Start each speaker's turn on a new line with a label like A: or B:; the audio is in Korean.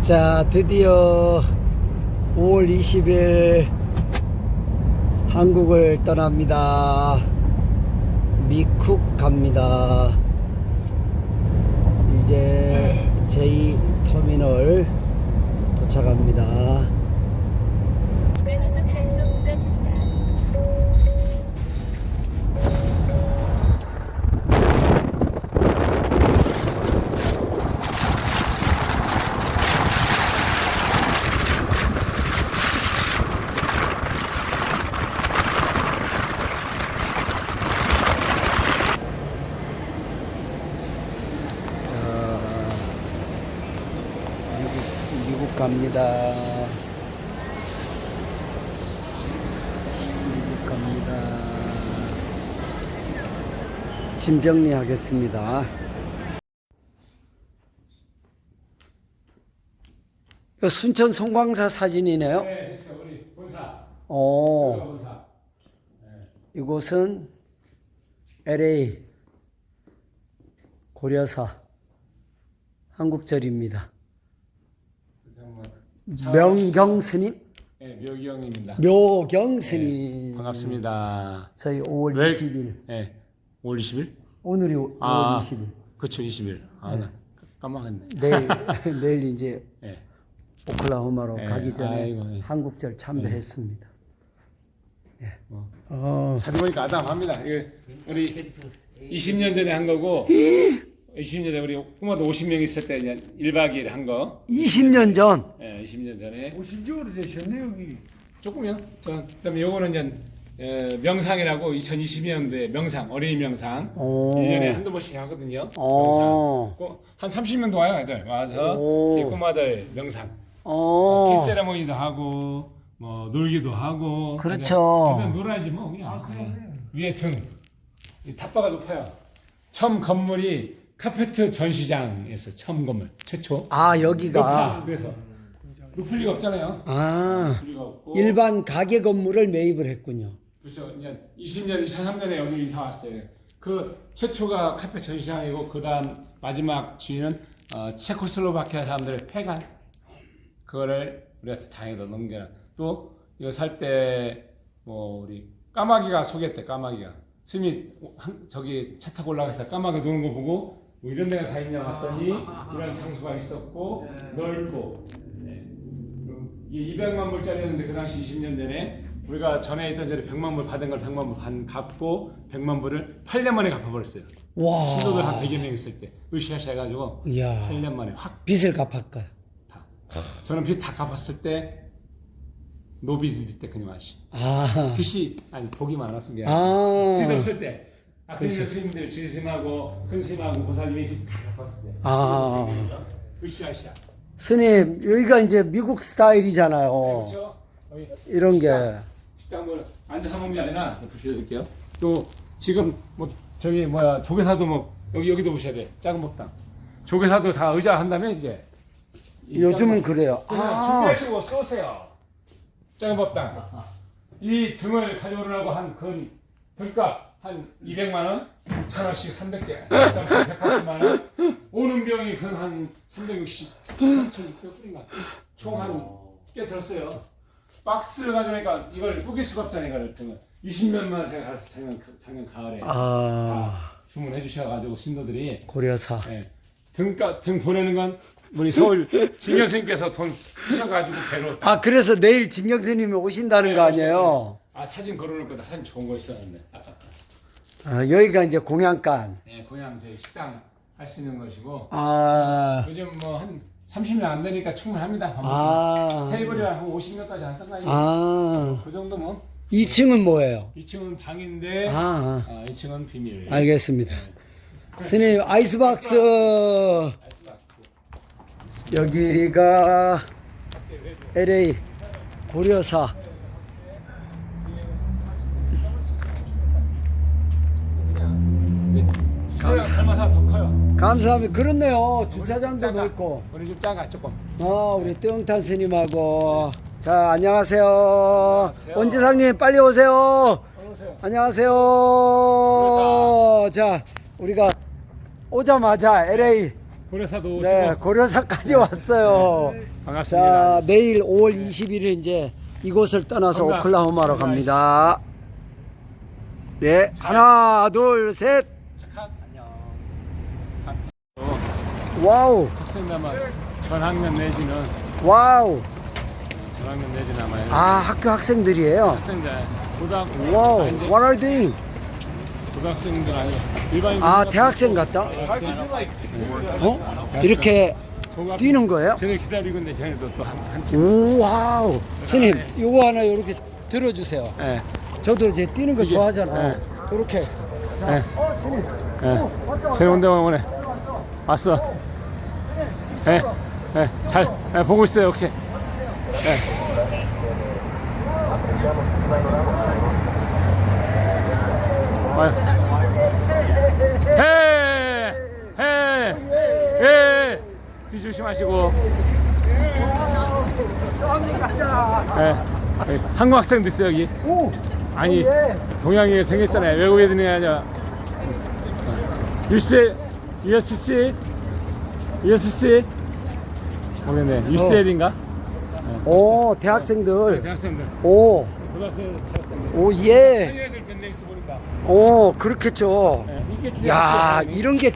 A: 자, 드디어 5월 20일 한국을 떠납니다. 미쿡 갑니다. 이제 제2터미널 도착합니다. 미국 갑니다. 미국 갑니다. 짐 정리하겠습니다. 이거 순천 송광사 사진이네요.
B: 네, 그렇죠. 우리 본사.
A: 오,
B: 본사. 네.
A: 이곳은 LA 고려사 한국절입니다. 명경 스님?
B: 네, 묘기형입니다.
A: 묘경 스님.
B: 네, 반갑습니다.
A: 저희 5월
B: 왜-
A: 20일.
B: 네, 5월 20일?
A: 오늘이 5월 20일.
B: 그렇죠, 20일. 나 깜빡했네.
A: 내일 이제
B: 네.
A: 오클라호마로
B: 네,
A: 가기 전에
B: 아이고, 네.
A: 한국절 참배했습니다.
B: 자주 보니까 아담합니다. 이거 우리 20년 전에 한 거고, 20년 전에 우리 꼬마도 50명 있을 때 1박 2일 한 거.
A: 20년 전.
B: 네, 20년 전에.
C: 오신 지 오래되셨네 여기.
B: 조금요. 그다음에 요거는 이제 명상이라고 2020년도에 명상, 어린이 명상.
A: 오.
B: 1년에 한두 번씩 하거든요.
A: 오.
B: 명상. 한 30명도 와요, 애들. 와서
A: 오.
B: 이 꼬마들 명상. 티 세레모니도 하고 뭐 놀기도 하고.
A: 그렇죠.
B: 그냥 놀아야지 뭐 그냥. 위에 등. 이 탑바가 높아요. 처음 건물이 카페트 전시장에서 처음 건물 최초.
A: 아, 여기가.
B: 높아. 그래서 높을 리가 없잖아요.
A: 아,
B: 높을 리가 없고.
A: 일반 가게 건물을 매입을 했군요.
B: 그렇죠. 이제 20년, 2003년에 여기 이사 왔어요. 그 최초가 카페 전시장이고 그다음 마지막 주인은 체코슬로바키아 사람들의 폐간 그거를 우리가 다행히도 넘겨라. 또 이거 살 때 뭐 우리 까마귀가 소개했대. 까마귀가 스님이 저기 차 타고 올라가서 까마귀 노는 거 보고 뭐 이런 데가 다 있냐 봤더니 이런 장소가 있었고 넓고 이게 200만 불짜리였는데 그 당시 20년 전에 우리가 전에 있던 전에 100만 불 받은 걸 100만 불 갚고 100만 불을 8년 만에 갚아버렸어요.
A: 와.
B: 신도들 한 100여 명 있을 때 으쌰으쌰 해가지고
A: 이야.
B: 8년 만에 확
A: 빚을 갚았까.
B: 다. 저는 빚 다 갚았을 때 노비즈 때 그냥 마시.
A: 아.
B: 빚이 아니 복이 많았은 게
A: 아.
B: 빚 없을 때 아까 스님들 주스님하고 큰 스님하고 보살님이 빚 다 갚았을 때.
A: 아.
B: 으쌰으쌰.
A: 스님, 여기가 이제 미국 스타일이잖아요.
B: 그렇죠? 여기
A: 이런 게.
B: 식당 뭐 앉아서 먹는 게 아니라 보셔드릴게요. 또 지금 뭐 저기 뭐야 조개사도 뭐 여기도 보셔야 돼. 작은 법당. 조개사도 다 의자 한다면 이제
A: 요즘은 그래요.
B: 준비하시고 쏘세요. 작은 법당. 이 등을 가져오려고 한 근 등값 한 200만 원, 6,000원씩 300개, 180만 원. 오는 병이 근 한 360, 3,600불인가. 총 한 꽤 들었어요. 박스를 가져오니까 이걸 뿌길 수가 없잖아요. 이걸 등을 20몇만 원 제가 가서 작년 가을에
A: 아.
B: 주문해 주셔가지고 신도들이
A: 고려사.
B: 예, 등 보내는 건 우리 서울 진여 스님께서 돈 쓰셔가지고 배로
A: 아, 그래서 내일 진경 스님이 오신다는 거 아니에요?
B: 아 사진 걸어놓을 거다. 사진 좋은 거 있었는데 아깝다.
A: 아, 여기가 이제 공양간.
B: 네, 고향 저희 식당 할 수 있는 것이고
A: 아.
B: 요즘 뭐 한 30명 안 되니까 충분합니다.
A: 아.
B: 테이블이랑 한 50명까지 한단가요.
A: 아.
B: 그 정도면
A: 2층은 뭐예요?
B: 2층은 방인데
A: 아.
B: 2층은 비밀.
A: 알겠습니다. 스님, 아이스박스. 여기가 LA 고려사.
B: 감사합니다. 더 커요.
A: 감사합니다. 그렇네요. 주차장도 넓고.
B: 우리 좀 작아 조금.
A: 우리 뚱탄 스님하고. 자, 안녕하세요.
B: 안녕하세요.
A: 원지상님 빨리 오세요.
B: 오세요.
A: 안녕하세요. 자, 우리가 오자마자 LA
B: 고려사도 오시고
A: 네, 고려사까지 왔어요.
B: 반갑습니다.
A: 자, 내일 5월 20일에 이제 이곳을 떠나서
B: 건강.
A: 오클라호마로 갑니다. 네, 하나, 둘, 셋.
B: 착한
A: 와우,
B: 학생들만 전학년 내지는
A: 와우.
B: 전학년 내지는 아마
A: 아, 학교 학생들이에요.
B: 학생들 고등학교
A: 와우,
B: 아니, 이제
A: what are you doing?
B: 고등학생들 아니고 일반인
A: 아, 대학생 같다?
B: 대학생.
A: 어? 이렇게
B: 종합-
A: 뛰는 거예요?
B: 쟤네 기다리고 있는데 쟤네도 또한팀
A: 오, 와우. 스님, 요거 하나 이렇게 들어주세요.
B: 예.
A: 저도 이제 뛰는 거
B: 이게,
A: 좋아하잖아요.
B: 네.
A: 이렇게.
B: 예.
A: 스님.
B: 예. 쟤네 운동원 오네. 왔어. 예. 예. 잘 예, 보고 있어요. 오케이. 예. 와요. 해! 해! 예! 뒤 조심하시고. 예. 여기 한국 학생도 있어요, 여기.
A: 오,
B: 아니,
A: 예.
B: 동양이 생겼잖아요. 외국 애들이 아니라. USC? 모르겠네. UCL인가?
A: 오, 대학생들.
B: 대학생들.
A: 오,
B: 고등학생, 대학생들.
A: 오, 예.
B: 애들 밴드 있어 보인다.
A: 오, 그렇겠죠.
B: 예, 이게 진짜
A: 야,
B: 학교야.
A: 이런 게